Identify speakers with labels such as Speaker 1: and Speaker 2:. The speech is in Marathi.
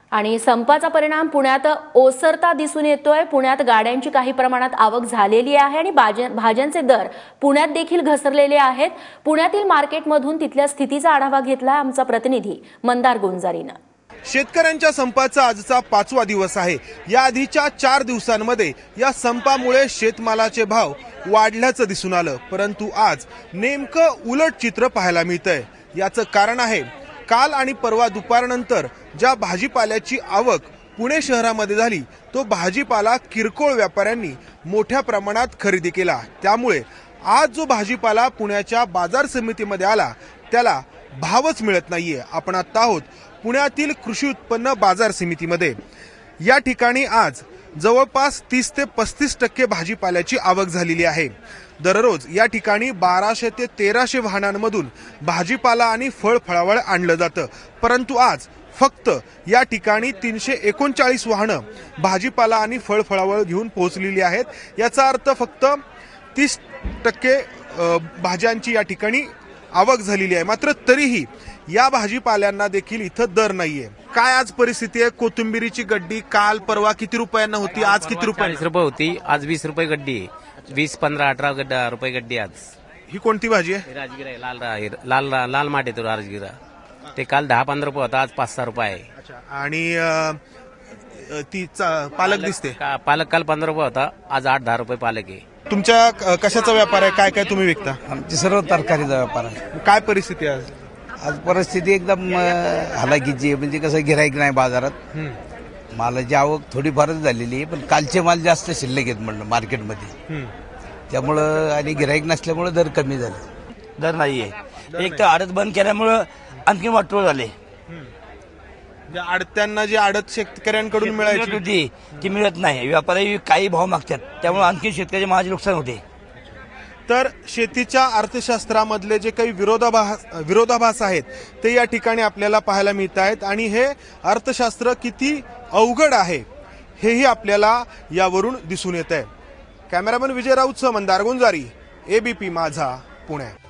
Speaker 1: आणि संपाचा परिणाम पुण्यात ओसरता दिसून येतोय। पुण्यात गाड्यांची काही प्रमाणात आवक झालेली आहे आणि भाज्यांचे दर पुण्यात देखील घसरलेले आहेत। पुण्यातील मार्केटमधून तिथल्या स्थितीचा आढावा घेतला आमचा प्रतिनिधी मंदार गुंजारीने।
Speaker 2: शेतकऱ्यांच्या संपाचा आजचा 5वा दिवस आहे। या आधीच्या 4 दिवसांमध्ये या संपामुळे शेतमालाचे भाव वाढल्याचं दिसून आलं, परंतु आज नेमकं उलट चित्र पाहायला मिळतंय। याचं कारण आहे काल आणि परवा दुपारनंतर ज्या भाजीपाल्याची आवक पुणे शहरामध्ये झाली तो भाजीपाला किरकोळ व्यापाऱ्यांनी मोठ्या प्रमाणात खरेदी केला। त्यामुळे आज जो भाजीपाला पुण्याच्या बाजार समितीमध्ये आला त्याला भावच मिळत नाहीये। आपण आता आहोत पुण्यातील कृषी उत्पन्न बाजार समितीमध्ये। या ठिकाणी आज जवळपास 30 ते 35% भाजीपाल्याची आवक झालेली आहे। दररोज या ठिकाणी 1200 ते 1300 वाहनांमधून भाजीपाला आणि फळफळावळ आणलं जातं, परंतु आज फक्त या ठिकाणी 339 वाहनं भाजीपाला आणि फळफळावळ घेऊन पोहोचलेली आहेत। याचा अर्थ फक्त 30% भाज्यांची या ठिकाणी आवक झालेली आहे। मात्र तरीही या भाजीपाल्यांना देखील इथं दर नाहीये। काय आज परिस्थिती आहे? कोथिंबीरीची गड्डी काल परवा किती रुपयांना होती, आज किती रुपये?
Speaker 3: 40 रुपये होती, आज 20 रुपये गड्डी। 20, 15, 18 रुपये गड्डी आज।
Speaker 2: ही कोणती भाजी आहे?
Speaker 3: राजगिरा आहे, लाल माठ येतो राजगिरा। ते काल 10-15 रुपये होता, आज 5-6 रुपये आहे।
Speaker 2: आणि ती पालक दिसते,
Speaker 3: पालक काल 15 रुपये होता, आज 8-10 रुपये पालक आहे।
Speaker 2: तुमच्या कशाचा व्यापार आहे? काय काय तुम्ही विकता?
Speaker 4: आमची सर्व तरकारीचा व्यापार आहे।
Speaker 2: काय परिस्थिती आहे आज?
Speaker 4: आज परिस्थिती एकदम हलाखीची आहे, म्हणजे कसं गिराईक नाही बाजारात। मालाची आवक थोडीफारच झालेली आहे, पण कालचे माल जास्त शिल्लक आहेत म्हणलं मार्केटमध्ये, त्यामुळं आणि गिराईक नसल्यामुळे दर कमी झाले।
Speaker 5: दर नाहीये, एक तर आडत बंद केल्यामुळं आणखी वाटोळ झाले।
Speaker 2: आडत्यांना जी आडत शेतकऱ्यांकडून मिळायची
Speaker 5: होती ती मिळत नाही, व्यापारी काही भाव मागतात, त्यामुळे आणखी शेतकऱ्याचे माझे नुकसान होते।
Speaker 2: तर शेतीच्या अर्थशास्त्रामधले जे काही विरोधाभास आहेत ते या ठिकाणी आपल्याला पाहायला मिळत आहेत आणि हे अर्थशास्त्र किती अवघड आहे हेही आपल्याला यावरून दिसून येत आहे। कॅमेरामन विजय राऊतसह मंदार गुंजारी, एबीपी माझा, पुणे।